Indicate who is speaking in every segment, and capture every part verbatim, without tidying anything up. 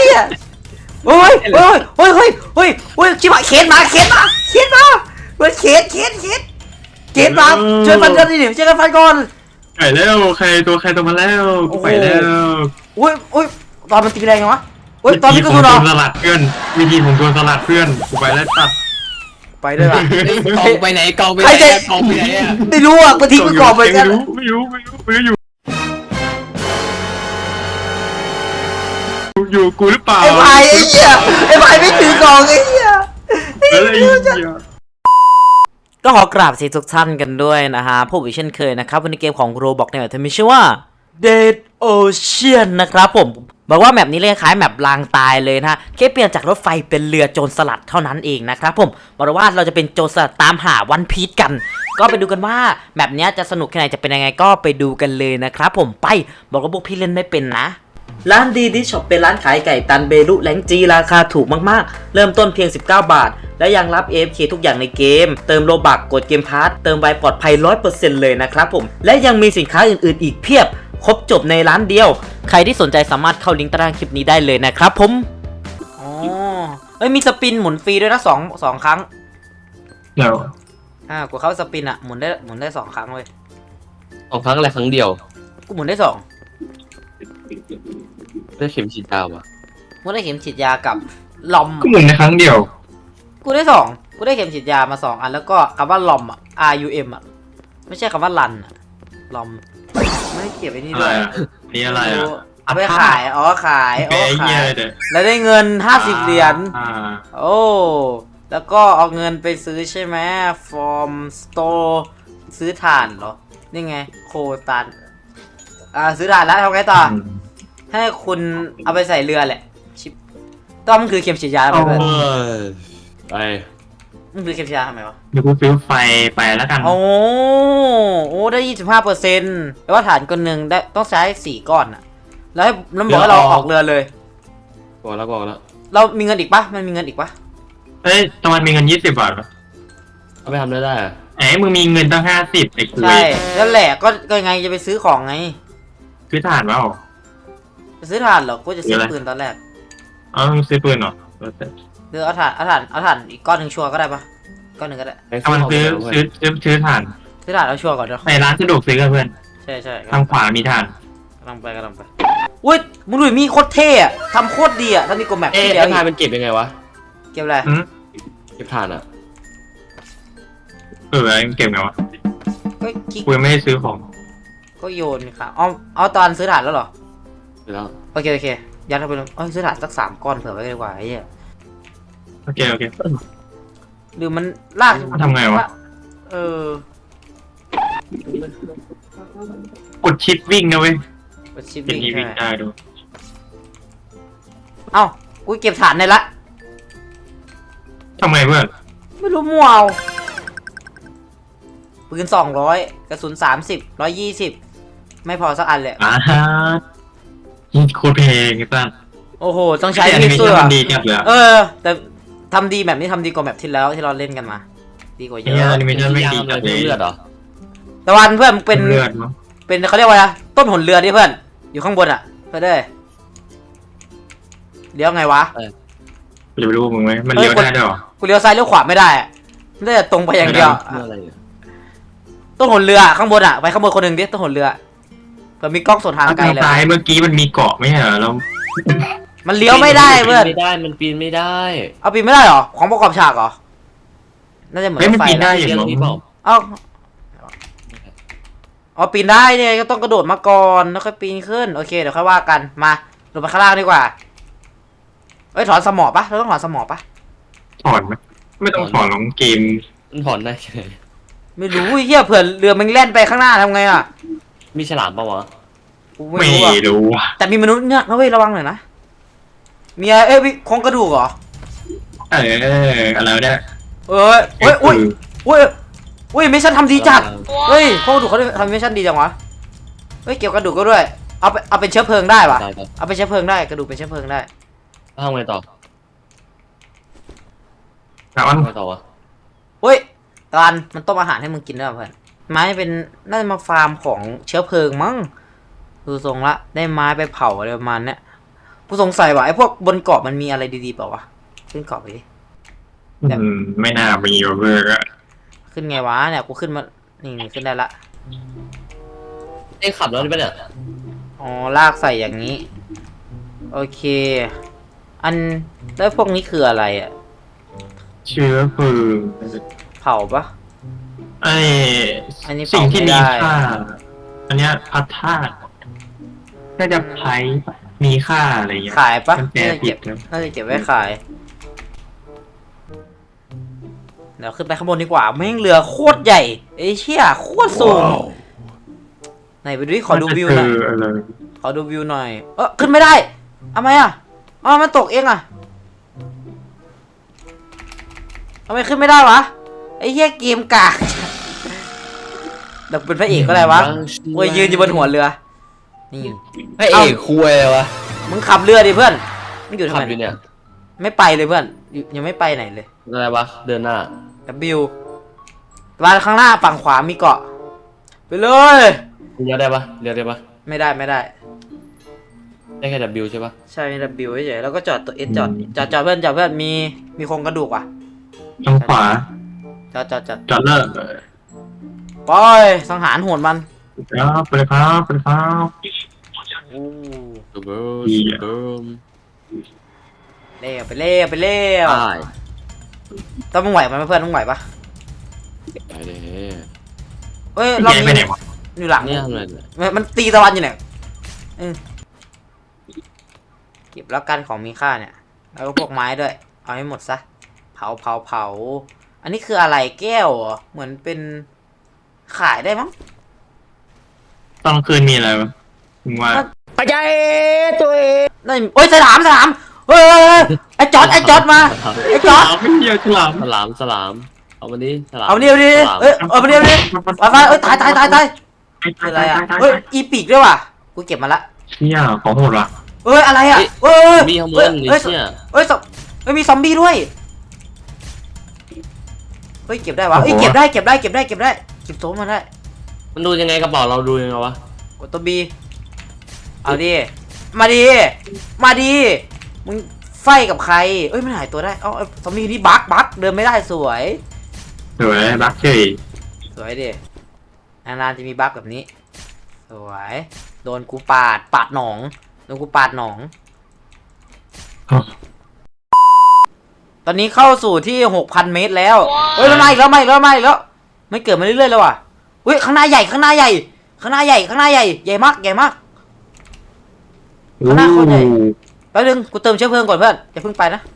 Speaker 1: หี้ยโอ้ยโอ้ยโอ้ยเฮ้ยเฮ้ยเฮ้ยชิบหายเข็นมาเข็นมาเข็นมาเฮ้ยเข็นเข็นเข็นเข็นมาช่วยฟันกันดิช่วยกันฟันก่อน
Speaker 2: ไปแล้วใครตัวใครตัวมาแล้วกูไปแล้ว
Speaker 1: อุ้ยอุ้ยตอนมันตีแรงไงวะอุ้ยตอนนี้ก็สุดหรอ
Speaker 2: สลัดเพื่อนวิธีของตัวสลัดเพื่อนกูไปแล้วตัด
Speaker 1: ไปด้วยล่ะ
Speaker 3: กองไปไหนกองไปไหนกองไปไหนอ่ะ
Speaker 1: ไม่รู้อ่ะบางทีกูกรอบไปกัน
Speaker 2: ไม่รู้ไม่รู้ไม่รู้ไม่รู้อยู่อยู่กูหรือเปล่า
Speaker 1: ไอ้ไผ่ไอ้เหี้ยไอ้ไผ่ไม่ถือกล่องไอ้เหี้ย
Speaker 2: อะไร
Speaker 1: ก็ขอกราบสวัสดีทุกท่านกันด้วยนะฮะพบอีกเช่นเคยนะครับวันนี้เกมของ Roblox ในแบบที่มีชื่อว่า Dead Ocean นะครับผมบอกว่าแมปนี้เลยคล้ายแมปลางตายเลยนะแค่เปลี่ยนจากรถไฟเป็นเรือโจรสลัดเท่านั้นเองนะครับผมบอกว่าเราจะเป็นโจรสลัดตามหาวันพีชกัน ก็ไปดูกันว่าแมปนี้จะสนุกแค่ไหนจะเป็นยังไงก็ไปดูกันเลยนะครับผมไปบอกว่าพวกพี่เล่นไม่เป็นนะร้านดีดิช็อปเป็นร้านขายไก่ตันเบลุแหลงจีราคาถูกมากๆเริ่มต้นเพียงสิบเก้าบาทและยังรับ เอ เอฟ เค ทุกอย่างในเกมเติมโลบักกดเกมพาร์ทเติมไวปลอดภัย ร้อยเปอร์เซ็นต์ เลยนะครับผมและยังมีสินค้าอื่นๆอีกเพียบครบจบในร้านเดียวใครที่สนใจสามารถเข้าลิงก์ใต้ล่างคลิปนี้ได้เลยนะครับผมอ๋อเอ้ยมีสปินหมุนฟรีด้วยนะสองสองครั้ง
Speaker 2: เดี๋ยว
Speaker 1: อ่ากูเข้าสปินอะหมุนได้หมุนได้สองครั้งเลย
Speaker 3: สองครั้งอะไรครั้งเดียว
Speaker 1: กูหมุนได้สอง
Speaker 3: ได้เข็มฉีดยาว่ะ
Speaker 1: กูได้เข็มฉีดยากับลอม
Speaker 2: ก็หมุนในครั้งเดียว
Speaker 1: กูได้สองกูได้เข็มฉีดยามาสองอันแล้วก็คำว่าลอมอะ R U M อะไม่ใช่คำว่าลันอะลอมไม่ได้เก็บไอ้นี่ด้วย
Speaker 2: นี่อะไรอ่ะ
Speaker 1: เอาไปขายอ๋อขายอ๋อขายแล้วได้เงินห้าสิบเหรียญโอ้แล้วก็เอาเงินไปซื้อใช่ไหมฟอร์มสโตร์ซื้อถ่านเหรอนี่ไงโคตันอ่าซื้อถ่านแล้วทำไงต่อให้คุณเอาไปใส่เรือแหละชิปต้อมคือเข็มฉีดยาไปเพื่อน
Speaker 3: ไป
Speaker 1: มันคือเข็มฉีดยาทำไมวะ
Speaker 2: เดี๋ยวกูซื้อไฟไปแล้วกัน
Speaker 1: โอ้โอ้ได้ยี่สิบห้าเปอร์เซ็นต์แต่ว่าฐานก้อนหนึ่งได้ต้องใช้สี่ก้อนอะแล้วให้น้ำบอกให้เราออกเรือเลย
Speaker 3: บอกแล้วบอกแล้ว
Speaker 1: เรามีเงินอีกปะมันมีเงินอีกปะ
Speaker 2: เฮ้ยตอนมันมีเงินยี่สิบบาทปะ
Speaker 3: เอาไปทำได้ได้
Speaker 2: เอ้มึงมีเงินตั้งห้าสิบไอ้คุย
Speaker 1: ใช่แล้วแหละก็ก็ไงจะไปซื้อของไง
Speaker 2: ซื้อถ่านเปล่า
Speaker 1: จะซื้อถ่านเหรอกูจะซื้อปืนตอนแรก
Speaker 2: อ๋อมึงซื้อปืนเหรอ
Speaker 1: เดี๋ยวเอาถ่านเอาถ่านเอาถ่านอีกก้อนหนึ่งชัวร์ก็ได้ปะก้อนหนึ่งก็ได้
Speaker 2: ถ้ามันซื้อซื้อซื้อซื้อถ่าน
Speaker 1: ซื้อถ่านเอาชัวร์ก่อนเดี๋ยว
Speaker 2: ในร้านสะดวกซื้อกันเพื่อน
Speaker 1: ใช่ใช่
Speaker 2: ทางขวามีถ่าน
Speaker 1: กำลังไปกำลังไปอุ้ยมึงดูมีโคตรเท่อะทำโคตรดีอะถ้ามีกลแมป
Speaker 3: ที่แล้วถ่านเป็นเก็บยังไงวะ
Speaker 1: เก็บอะไร
Speaker 3: เก็บถ่านอะ
Speaker 2: เออเก็บไงวะ
Speaker 1: ก็
Speaker 2: กูยังไม่ได้ซื้อของ
Speaker 1: ก็โยนค่ะเอาเอาตอนซื้อถ่านแล้วเหรอ
Speaker 3: ซื้อแล้ว
Speaker 1: โอเคโอเคยัดเข้าไปเลยเอาซื้อถ่านสักสามก้อนเผื่อไว้ดีกว่าไอ้เหี้ย
Speaker 2: โอเคโอเค
Speaker 1: หรือมันลาก
Speaker 2: ทำไงวะ
Speaker 1: เออก
Speaker 2: ดชิปวิ่งนะเว้ย
Speaker 1: กดชิปวิ่ง
Speaker 2: ได้ดู
Speaker 1: เอ้ากูเก็บฐานในละ
Speaker 2: ทำไมเพื่อน
Speaker 1: ไม่รู้มั่วเอาปืนสองร้อยกระสุนสามสิบร้อยยี่สิบไม่พอสักอันเลย
Speaker 2: อ่าฮะนี่โคตรเพลงไอ้ตั้ง
Speaker 1: โอ้โหต้องใช้มีดสู้
Speaker 2: อ่ะดีจังเลย
Speaker 1: เออแต่ทำดีแบบนี้ทำดีกว่าแบบที่แล้วที่เราเล่นกันมาดีกว่าเยอะ
Speaker 2: อนิเมชั่นไม่ดีจังเลย
Speaker 3: เลือดเหรอ
Speaker 1: ตะวันเพื่อนเป็นเป็นเขาเรียกว่าอะไรต้นหนเรือดิเพื่อนอยู่ข้างบนอ่ะเพื่อนเด้เลี้ยวไงวะ
Speaker 2: กูจะไปรู้มึงไหมมันเลี้ยวได้ด้วยหรอ
Speaker 1: กูเลี้ยวซ้ายเลี้ยวขวาไม่ได้ได้แต่ตรงไปอย่างเดียวต้นหนเรือข้างบนอ่ะไปข้างบนคนหนึ่งดิต้นหนเรือเผื่อมีกล้องส่องทางไกลเลย
Speaker 2: ซ้ายเมื่อกี้มันมีเกาะไม่ใช่เหรอเรา
Speaker 1: มันเลี้ยวไม่ได้เพื่อน
Speaker 3: ไม่ได้มันปีนไม่ได้
Speaker 1: เอาปีนไม่ได้หรอของประกอบฉากเหรอน่าจะเหมือน
Speaker 2: ไฟได้อย่างนี้เปล่า
Speaker 1: เอ้าอ๋อปีนได้เนี่ยก็ต้องกระโดดมาก่อนแล้วค่อยปีนขึ้นโอเคเดี๋ยวค่อยว่ากันมาลงไปข้างล่างดีกว่าเอ้ยถอนสมอปะเราต้องถอนสมอปะ
Speaker 2: ถอนไหมไม่ต้องถอนลงเกม
Speaker 3: ถอนได้
Speaker 1: ไม่รู้เฮียเผื่อเรือมันแล่นไปข้างหน้าทำไงอ่ะ
Speaker 3: มีฉลามปะวะ
Speaker 2: ไม่รู้
Speaker 1: แต่มีมนุษย์เงือกนะเว้ยระวังหน่อยนะมีอะไรเอ้ยโครงกระดูกเหรอ
Speaker 2: เอออะไรเนี่ย
Speaker 1: เอ้ยเอ้ยอุ้ยอุ้ยอุ้ยมิชชั่นทำดีจัดเฮ้ยโครงกระดูกเขาทำมิชชั่นดีจังวะเฮ้ยเกี่ยวกระดูกก็ด้วยเอาไปเอาเป็นเชื้อเพลิงได้ปะเอาเป็นเชื้อเพลิงได้กระดูกเป็นเชื้อเพลิงได้
Speaker 3: ทำไงต่อ
Speaker 2: ทำไง
Speaker 3: ต่อวะ
Speaker 1: เฮ้ยตอนมันต้มอาหารให้มึงกินด้วยเพื่อนไม้เป็นน่าจะมาฟาร์มของเชื้อเพลิงมั้งดูทรงละได้ไม้ไปเผาอะไรประมาณเนี้ยกูสงสัยว่าไอ้พวกบนเกาะมันมีอะไรดีๆเปล่าวะขึ้นเกาะไปดิ แบบ
Speaker 2: อืมไม่น่ามีหรอกเพื่อนอะ
Speaker 1: ขึ้นไงวะเนี่ยกูขึ้นมานี่นี่ขึ้นได้ละ
Speaker 3: เอ้ยขับรถได้ปะเนี่ย
Speaker 1: อ๋อลากใส่อย่างนี้ โอเค อันแล้วพวกนี้คืออะไรอ่ะ
Speaker 2: เชื้อเพลิง
Speaker 1: เผาปะ
Speaker 2: ไอ้
Speaker 1: อันนี้
Speaker 2: สิ่งที่
Speaker 1: เผาไม่
Speaker 2: มี
Speaker 1: ได้
Speaker 2: ค่า อันเนี้ยพัดธาตุน่าจะไพมีค่าอะไรเงี้ย
Speaker 1: ขายปะ
Speaker 2: มันแปล
Speaker 1: น่าจะ
Speaker 2: ผิ
Speaker 1: เก็
Speaker 2: ด
Speaker 1: บ
Speaker 2: นะ
Speaker 1: น่าจะเก็บไว้ขาย เดี๋ยวขึ้นไปข้างบนดีกว่าแม่งเรือโคตรใหญ่ไอ้เชี่ยโคตรสูงไหนไปดูดิขอดูวิวหน่อย
Speaker 2: าจะเจอะไร
Speaker 1: ขอดูวิวหน่อย เออขึ้นไม่ได้ทำไมอ่ะอ๋อมันตกเองอ่ะทำไมขึ้นไม่ได้วะไอ้เหี้ยเกมกากเดี๋ยวเป็นพระเอกก็ได้วะเว้ยยืนอยู่บนหัวเรือ นี่
Speaker 3: พระเอกคุยเลยวะ
Speaker 1: มึงขับเรือดิเพื่อนมึงอยู่ทำ
Speaker 3: ขับ
Speaker 1: ไม
Speaker 3: อยู่เนี่ย
Speaker 1: ไม่ไปเลยเพื่อนอยู่ยังไม่ไปไหนเลย
Speaker 3: อะไรวะเดินหน้า
Speaker 1: W มาข้างหน้าฝั่งขวามีเกาะ ไปเลย
Speaker 3: เลี้ยวได้ปะเลี้ยวได้ปะ
Speaker 1: ไม่ได้ไม่ได้
Speaker 3: ได้แค่ W ใช่ปะ
Speaker 1: ใช่ W เฉยๆแล้วก็จอดตัว S จอดจอดจอดเพื่อนจอดเพื่อนมีมีโครงกระดูกว่ะ
Speaker 2: ทางขวา
Speaker 1: จอดจอดจอด
Speaker 2: จอดเลิก
Speaker 1: ปล่อยสังหารโหดมัน
Speaker 2: ครับไปเลยครับไปเลยครับ
Speaker 1: โอ้
Speaker 3: ดูเบิร์
Speaker 2: ดี
Speaker 3: ด
Speaker 2: อะ
Speaker 3: เบิร์ม
Speaker 1: เล่ไปเล่ไปเล่
Speaker 3: ใช่
Speaker 1: ต้องมึงไหวมันไหมเพื่อนมึงไหวปะ
Speaker 3: ไปเลย
Speaker 1: เฮ้ยรอบ
Speaker 2: แย่ไป
Speaker 1: นี้
Speaker 2: ไหนวะ
Speaker 1: อยู่หลัง
Speaker 3: เนี่ยทำอะไรเนี่ย
Speaker 1: มันมันตีตะวันอยู่เนี่ยเออเก็บแล้วกันของมีค่าเนี่ยแล้วก็พวกไม้ด้วย เอาให้หมดซะเผาเผาเผาอันนี้คืออะไรแก้วเหรอเหมือนเป็นขายได้มั้ง
Speaker 2: ตอนกลางคืนมีอะไรวะมึงว่า
Speaker 1: ปัจจัยตัวเองนั่นโอ้ยสลามสลามเฮ้ยเฮ้ยเฮ้ยไอ้จอดไอ้จอดมาไอ้จ
Speaker 2: ฉ
Speaker 1: อด
Speaker 2: ลามไม่เดียวฉลาม
Speaker 3: สลามสลามเอามาดิสลาม
Speaker 1: เอาเนี่ยเอาดิ
Speaker 3: สลาม
Speaker 1: เอ้ยเอามาเนี่ยเอาดิไปไปเอ้ยตายตายตายตายคืออะไรอ่ะเฮ้ยอีปีกด้วยว่ะกูเก็บมาละ
Speaker 2: เชี่ยของโหดว่ะ
Speaker 1: เอ้ยอะไรอ่ะเอ้ย
Speaker 3: มีขโม
Speaker 1: เอ้
Speaker 3: ย
Speaker 1: ย
Speaker 3: หรือ
Speaker 1: เอ้ย
Speaker 3: เนี่ย
Speaker 1: เอ้ยซอมเอ้ยมีซอมบี้ด้วยเฮ้ยเก็บได้วะเอ้ยเก็บได้เก็บได้เก็บได้เก็บได้เก็บโซ่มาได้
Speaker 3: มันดูยังไงกระเป๋าเราดูยังไงวะ
Speaker 1: กดตัวบีเอาดิมาดิมาดิมึงไฟกับใครเอ้ยมันหายตัวได้เอ้าเอาซอมบี้นี่บั๊กบั๊กเดินไม่ได้สวย
Speaker 2: สวยบักเฉย
Speaker 1: สวยดินานๆจะมีบั๊กแบบนี้ สวย โดนกูปาด ปาดหนอง โดนกูปาดหนอง ตอนนี้เข้าสู่ที่หกพันเมตรแล้ว เฮ้ยแล้วมาอีกแล้วมาอีกแล้วมาอีกแล้ว ไม่เกิดมาเรื่อยๆแล้วว่ะเฮ้ยข้างหน้าใหญ่ข้างหน้าใหญ่ ข้างหน้าใหญ่ข้างหน้าใหญ่ ใหญ่มากใหญ่มาก ข้างหน้าโคตรใหญ่ แป๊บนึงกูเติมเชื้อเพลิงก่อนเพื่อนอย่าเพิ่งไปนะ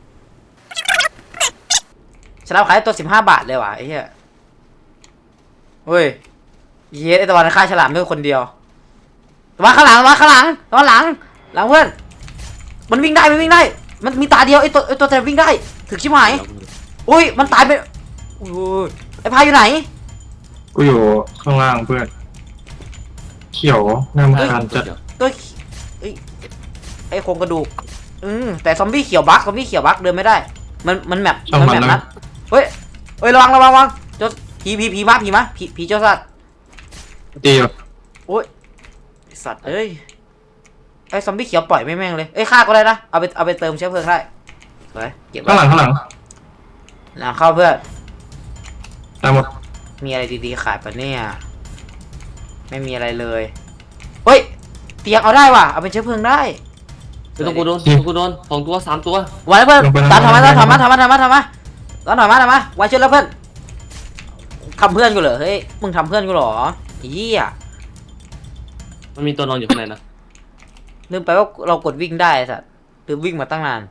Speaker 1: ฉลามขายตัวสิบห้าบาทเลยว่ะไอ้เหี้ยเฮ้ยเย้ไอตะวันฆ่าฉลามด้วยคนเดียวตะวันข้างหลังตะวันข้างหลังตะวันหลังหลังเพื่อนมันวิ่งได้มันวิ่งได้ มันมีตาเดียวไอตัวไอตัวแต่วิ่งได้ถึกชิบหายอุ้ยมันตายไปอุ้ยไอพายอยู่ไหน
Speaker 2: กูอยู่ข้างล่างเพื่อน เขียวน้ำคันจะ
Speaker 1: ตัวไอยไอโครงกระดูกอืมแต่ซอมบี้เขียวบั๊กซอมบี้เขียวบั๊กเดินไม่ได้ มันมันแมป
Speaker 2: ช่าง
Speaker 1: มัน
Speaker 2: มัน
Speaker 1: แมป
Speaker 2: แล้ว
Speaker 1: นัดเฮ้ยเฮ้ยระวังระวังระวังเจ้าผีผีผีมาผีมาผีผีเจ้าสัตว์
Speaker 2: ตีอยู่
Speaker 1: โอ้ยไอ้สัตว์เอ้ยไอ้ซอมบี้เขียวปล่อยไม่แม่งเลยเอ้ยฆ่าก็ได้นะเอาไปเอาไปเติมเชื้อเพลิงได้สวยเก็บไว้
Speaker 2: ข้างหลังข้างหลัง
Speaker 1: หลังเข้าเพื่อน
Speaker 2: ตามหมด
Speaker 1: มีอะไรดีๆขายปะเนี่ยไม่มีอะไรเลยเฮ้ยเตียงเอาได้ว่ะเอาเป็นเชื้อเพลิงได้
Speaker 3: ไม่ต้องกูโดนต้องกูโดนสองตัวสามตัว
Speaker 1: ไว้เพื่อนตามทำมาตามทำมาทำมาทำมาทำมาตามทำมาทำมาไว้ช่วยแล้วเพื่อนทำเพื่อนกูเหรอเฮ้ยมึงทำเพื่อนกูเหรอเหี้ย
Speaker 3: มันมีตัวนอนอยู่ข้างในนะ
Speaker 1: ลืมไปว่าเรากดวิ่งได้ไอ้สัตว์ลืมวิ่งมาตั้งนาน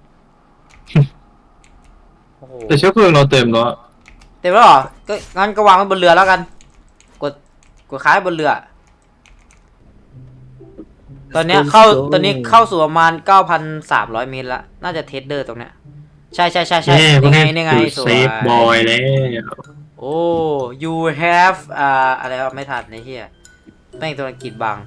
Speaker 1: โอ้โห
Speaker 2: แต่เชื้อเพลิงเราเต็มแล้ว
Speaker 1: เต็มแล้วเหรอก็งั้นก็วางไว้บนเรือแล้วกัน กดกดค้ายบนเรือ ตอนเนี้ยเข้าตอนนี้เข้าสู่ประมาณเก้าพันสามร้อยเมตรละน่าจะเทสเดอร์ตรงเนี้ยใช่ใช่ใช่ใช่
Speaker 2: เน่พวก
Speaker 1: นี่ไง
Speaker 2: นี้
Speaker 1: นี่ไงสว
Speaker 2: เซ
Speaker 1: ย
Speaker 2: ฟบอยแล้ว
Speaker 1: โอ้ you have อ่าอะไรวะไม่ทันไอ้เหี้ยแม่งตัวอังกฤษบัง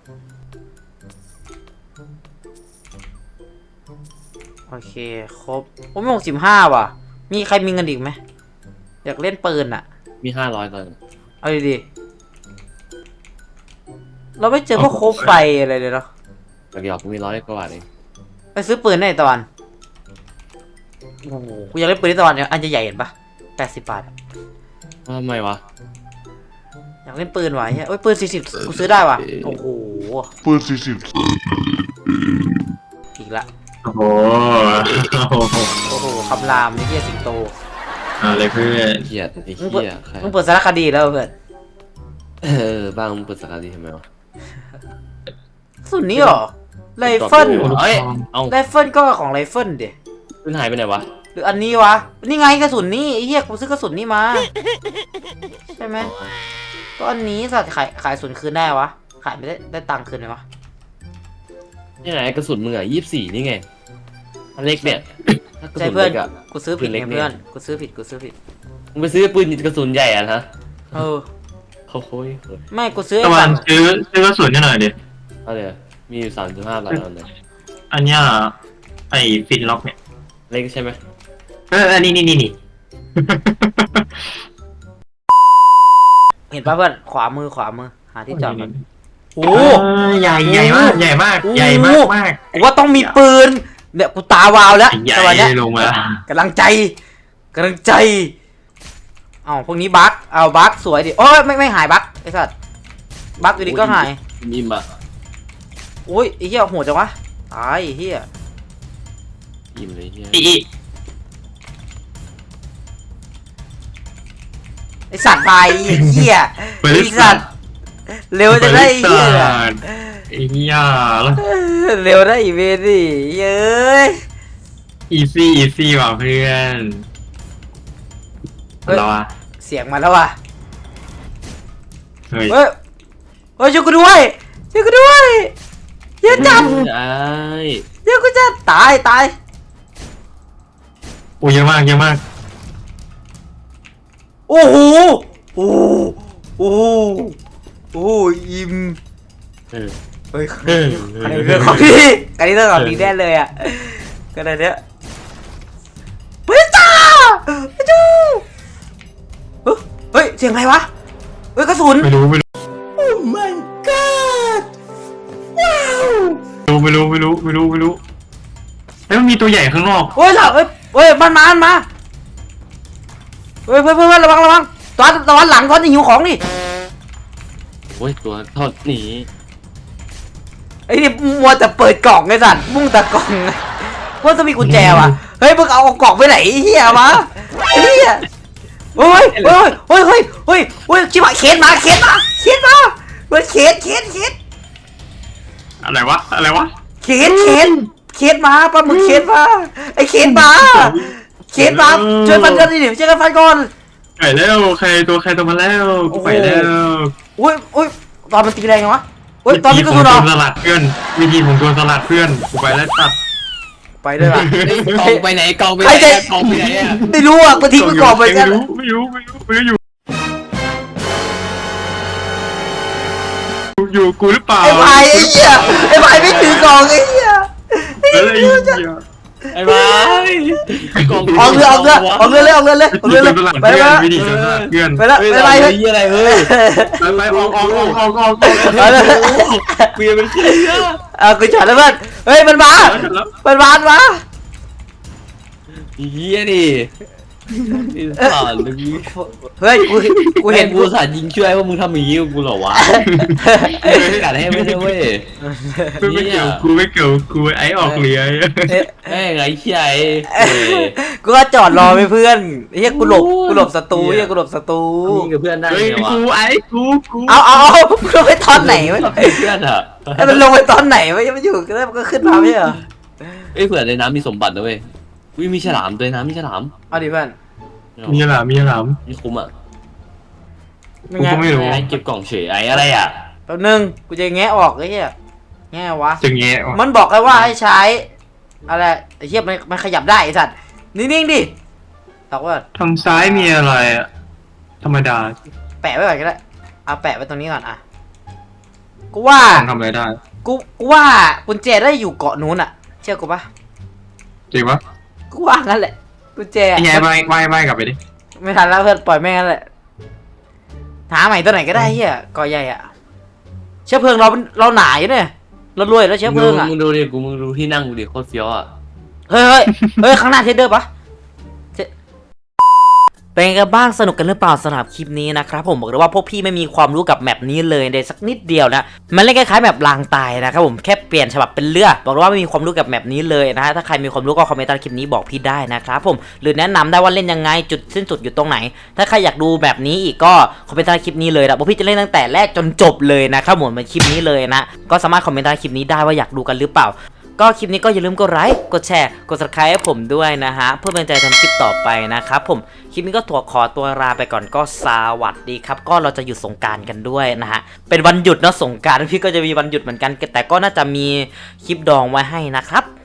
Speaker 1: โอเคครบโอ้ไม่หกสิบห้าว่ะ มีใครมีเงินอีกไหมอยากเล่นปืนอ่ะ
Speaker 3: มีห้าร้อยตอน
Speaker 1: เอาดีๆเราไม่เจอพวกโคบไฟอะไรเลยเนาะ
Speaker 3: หยอกๆกูมีร้อยกว่าบาทเอง
Speaker 1: ไปซื้อปืนได้ตะวันโอ้โหกูอยากเล่นปืนที่ตะวันเนี่ยอันใหญ่ๆเห็นปะแปดสิบบาทอะ
Speaker 3: ทำไมวะ
Speaker 1: อยากเล่นปืนว่ะเฮ้ยโอ้ยปืนสี่สิบกูซื้อได้ว่ะโอ้โห
Speaker 4: ปืนสี่สิบ
Speaker 1: อีกละ
Speaker 2: โอ้โห
Speaker 1: โอ้โหคำรามไอ้เหี้ยสิงโต
Speaker 2: อะไรเพื่อน
Speaker 3: เหี้ยไอ้
Speaker 1: มึงเปิด
Speaker 3: เหี้ยใคร
Speaker 1: มึงเปิดสารคดีแล้วเพื่อน
Speaker 3: เออบ้างมึงเปิดสกัดดีทำไมวะ
Speaker 1: สุดนี้เหรอไรเฟิล
Speaker 3: เอ้ยเอา
Speaker 1: ไรเฟิลก็ของไรเฟิลดิ
Speaker 3: ขึ้นหายไปไหนวะ
Speaker 1: หรืออันนี้วะนี่ไงกระสุนนี่ไอ้เหี้ยกูซื้อกระสุนนี่มาใช่ไหมก็อันนี้สัตว์ขายขายกระสุนคืนได้วะขายไม่ได้ได้ตังค์คืนไหมวะ
Speaker 3: นี่ไงกระสุนมึงอ่ะยี่สิบสี่นี่ไงอันเล็กเนี่ยถ้ากระ
Speaker 1: ใช่
Speaker 3: สุน
Speaker 1: เพื่อน
Speaker 3: เล็กอ่ะ
Speaker 1: กูซื้อผิด
Speaker 3: ปืนเล็
Speaker 1: ไง
Speaker 3: กเนี่ย
Speaker 1: เพื่อนกูซื้อผิดกูซื้อผิด
Speaker 3: มึงไปซื้อปืนกระสุนใหญ่อ่ะนะ
Speaker 1: เออ
Speaker 3: โอ้โหย
Speaker 1: ไม่กูซื้อ
Speaker 2: ตะ
Speaker 1: ไอ้
Speaker 2: วั
Speaker 1: สั
Speaker 2: น
Speaker 1: ตว์
Speaker 2: ซื้อซื้อกระสุนให้หน่อยดิ
Speaker 3: เอาเลยมีอยู่สามจุดห้าบาทเอาเลย
Speaker 2: อันเนี้ยไอ้ฟินล็อกเนี่ย
Speaker 3: เล็กใช่ไหม
Speaker 2: เอออันนี้นี่นี่นี่
Speaker 1: เห็นปะเพื่อนขวามือขวามือหาที่จอดก่อนโอ้
Speaker 2: โอ้ใหญ่ใหญ่มากใหญ่มากใหญ่มากมาก
Speaker 1: กูว่าต้องมีปืนเนี่ยกูตาวาวแล้ว
Speaker 2: ใหญ่
Speaker 1: ตอนเนี้ย
Speaker 2: ลงมาแล้ว
Speaker 1: กำลังใจกำลังใจเอ้าพวกนี้บั๊กเอาบั๊กสวยดิโอ้ยไม่ไม่หายบั๊กไอ้สัตว์บั๊กอยู่ดีก็หาย
Speaker 3: ยิ้มอ่ะ
Speaker 1: โอ้ยไอ้เหี้ยโหดจังวะตายไอ้เหี้ย
Speaker 3: ยิ้มเลยเฮีย
Speaker 2: อีอี
Speaker 1: ไอ้สัตว์ตายไอ้เหี้ยไอ้สัตว์เร็วจะได้ไอ้เหี้ย
Speaker 2: ไอ้เหี้ยแล้ว
Speaker 1: เร็วได้อีเวนดิเย้ย
Speaker 2: อีซี่อีซี่ว่ะเพื่อนเราอะ
Speaker 1: เสียงมาแล้วว่ะ
Speaker 2: เฮ้ย
Speaker 1: เฮ้ยเฮ้ยช่วยกูด้วยช่วยกูด้วยเยอะจัง
Speaker 3: ไอ้
Speaker 1: เดี๋ยวกูจะตายตาย
Speaker 2: โอ้เยอะมากเยอะมาก
Speaker 1: โอ้โหโอ้โหโอ้โหโอ้โหอิ่ม
Speaker 3: เออ
Speaker 1: เฮ้ย
Speaker 2: เออ
Speaker 1: อันนี้เรื่องของดีอันนี้เรื่องของดีแน่เลยอ่ะก็ได้เนี้ยเฮ้ยจ้าไปดูเฮ้ยเฮ้ยเสียงอะไรวะเฮ้ยกระสุน
Speaker 2: ไม่รู้ไม่รู้
Speaker 1: โอ้ my god ว้าว
Speaker 2: ไม่รู้ไม่รู้ไม่รู้ไม่รู้แล้วมันมีตัวใหญ่ข้างนอก
Speaker 1: เฮ้ยหลังเฮ้ยเฮ้ยมันมามันมาเฮ้ยเพื่อนเพื่อนระวังระวังตอนตอนหลังตอนจะหิวของดิ
Speaker 3: โอ้ยตัวเท่านี้
Speaker 1: ไอ้นี่มัวแต่เปิดกล่องไอ้สัตว์มุ่งแต่กล่องว่าจะมีกุญแจว่ะเฮ้ยมึงเอากล่องไปไหนไอ้เหี้ยมาไอ้เหี้ยเฮ้ยเฮ้ยเฮ้ยเฮ้ยเฮ้ยเฮ้ยชิบหายเคสมาเคสมาเคสมาเฮ้ยเคสเคสเคส
Speaker 2: อะไรวะอะไรวะ
Speaker 1: เคสเคสเคสมาปลาหมึกเคสมาไอ้เคสมาเคสมาช่วยฟันกันดิช่วยกันฟันก่อน
Speaker 2: ไปแล้วใครตัวใครตัวมาแล้วกูไปแล้ว
Speaker 1: อุ้ยอุ้ยตอนมันตีแรงไงวะอุ้ยตอนนี้ก็สุด
Speaker 2: วิ
Speaker 1: หร
Speaker 2: ธี
Speaker 1: อ
Speaker 2: ผมโดนสลัดเพื่อนวิธีผมโดนสลัดเพื่อนกูไปแล้วตัด
Speaker 1: ไปด้วยล่ะ
Speaker 3: เฮ้ยกองไปไหนกองไปไห
Speaker 1: ใคร
Speaker 3: น
Speaker 1: จะ
Speaker 3: กองไปไหนอ่ะ
Speaker 1: ไม่รู้อ่ะกูทิ้งไปก่อนไป
Speaker 2: ไม่
Speaker 1: กัน
Speaker 2: รู้ไม่รู้ไม่รู้ไม่รู้อยู่อยู่กูหรือเปล่า
Speaker 1: ไอ้พายไอ้เหี้ยไอ้พายไม่ถือกล่องไอ้เหี้ย
Speaker 2: เฮ้ยไอ้เหี้ย
Speaker 3: ไอ้บ้าอกอง
Speaker 1: ออกเรือออกเรือออกเรือเลยออกเรือเลยออกเรือเลย
Speaker 2: วิธีโดนสลัด
Speaker 1: ไป
Speaker 2: เพื่
Speaker 1: แล้
Speaker 2: อน
Speaker 1: ว
Speaker 2: วิธีโดนสลัดเพื่อน
Speaker 1: ไปแล้ว
Speaker 3: เฮ้ย
Speaker 1: ไปไร
Speaker 3: อะไร
Speaker 1: เฮ้ย
Speaker 3: เฮ้ยอะไรเฮ้ย
Speaker 2: ไปไปออกออกออกออกออก
Speaker 1: ไปแล้ว
Speaker 3: เปลี่ยนเป็นเสื้อ
Speaker 1: เอากูจอดแล้วเพื่อนเฮ้ยมันมามันมามันมา
Speaker 3: เฮียดิสารเลย
Speaker 1: เฮ้ยกูกูเห็น
Speaker 3: กูสารยิงช่วยว่ามึงทำอย่างนี้กับกูเหรอวะไม่กัดให้ไม่ได้เว้ย
Speaker 2: ไม่เกี่ยวกูไม่เกี่ยวกูไอ้ออกเรือ
Speaker 1: เอ๊ะ
Speaker 3: แม่งไอ้เชี่ยไอ้
Speaker 1: กูก็จอดรอไปเพื่อนเฮียกูหลบกูหลบศัตรูเฮียกูหลบศัตรู
Speaker 3: ยิงกับเพื่อนได้
Speaker 2: เฮ้ย
Speaker 3: ไงวะ
Speaker 2: กูไอ้กูกู
Speaker 1: เอาเอาเอามึงลงไปตอนไหนวะ
Speaker 3: เพื่อนอะ
Speaker 1: ไอ้มันลงไปตอนไหนวะยังไม่อยู่ก็ได้มันก็ขึ้นมาไม่ใช่เหรอ
Speaker 3: เอ้ยเผื่อในน้ำมีสมบัตินะเว้ยวิมีฉลามด้วยนะมีฉลาม
Speaker 1: เอาดิเพื่อน
Speaker 2: มีหลามมีหลาม
Speaker 3: มีคุ้มอ่ะ
Speaker 1: ไม่ไง
Speaker 2: กูก็ไม่รู้
Speaker 3: ไอ้เก็บกล่องเฉยไอ้อะไรอ่ะ
Speaker 1: แป๊บนึงกูจะแงะออกไอ้เหี้ยแงะวะ
Speaker 2: จะแงะวะ
Speaker 1: มันบอกเลยว่าให้ใช้อะไรไอ้เหี้ยมันมันขยับได้ไอ้สัตว์นิ่งๆดิตอกว่า
Speaker 2: ทางซ้ายมีอะไรอะธรรมดา
Speaker 1: แปะไว้ก่อนก็ได้เอาแปะไว้ตรงนี้ก่อนอ่ะกูว่า
Speaker 2: ทำอะไรได้
Speaker 1: กูกูว่ากุญแจได้อยู่เกาะนู้นอ่ะ เชื่อกูปะ
Speaker 2: จริงปะ
Speaker 1: กูว่างั้นแหละกุญแจ
Speaker 2: ไอ้ไงว่ายว่ายว่ายกลับไปดิ
Speaker 1: ไม่ทันแล้วเพื่อนปล่อยแม่งงั้นแหละหาใหม่ตัวไหนก็ได้เหี้ยเกาะใหญ่อ่ะเชื้อเพลิงเราเราหนาอยู่เนี่ยแล้วรวยแล้วเชื้อเพลิงอ่ะ
Speaker 3: มึงดูดิกูมึงดูที่นั่งกูดิโคตรเฟี้ยวอ่ะ
Speaker 1: เฮ้ยเฮ้ยเฮ้ยข้างหน้าเทรดเดอร์ปะเทเป็นไงกันบ้างสนุกกันหรือเปล่าสำหรับคลิปนี้นะครับผมบอกเลยว่าพวกพี่ไม่มีความรู้กับแมปนี้เลยเลยสักนิดเดียวนะมันเล่นคล้ายๆแมปลางตายนะครับผมแค่เปลี่ยนฉบับเป็นเรือบอกเลยว่าไม่มีความรู้กับแมปนี้เลยนะฮะถ้าใครมีความรู้ก็คอมเมนต์ใต้คลิปนี้บอกพี่ได้นะครับผมหรือแนะนำได้ว่าเล่นยังไงจุดสิ้นสุดอยู่ตรงไหน ถ้าใครอยากดูแบบนี้อีกก็คอมเมนต์ใต้คลิปนี้เลยนะพวกพี่จะเล่นตั้งแต่แรกจนจบเลยนะครับผมเป็นคลิปนี้เลยนะก็สามารถคอมเมนต์ใต้คลิปนี้ได้ว่าอยากดูกันหรือเปล่าก็คลิปนี้ก็อย่าลืมกดไลค์ กดแชร์ กด ซับสไครบ์ ให้ผมด้วยนะฮะ เพื่อเป็นกำลังใจทำคลิปต่อไปนะครับผม คลิปนี้ก็ตัวขอตัวลาไปก่อนก็สวัสดีครับ ก็เราจะหยุดสงกรานต์กันด้วยนะฮะ เป็นวันหยุดเนอะสงกรานต์พี่ก็จะมีวันหยุดเหมือนกัน แต่ก็น่าจะมีคลิปดองไว้ให้นะครับ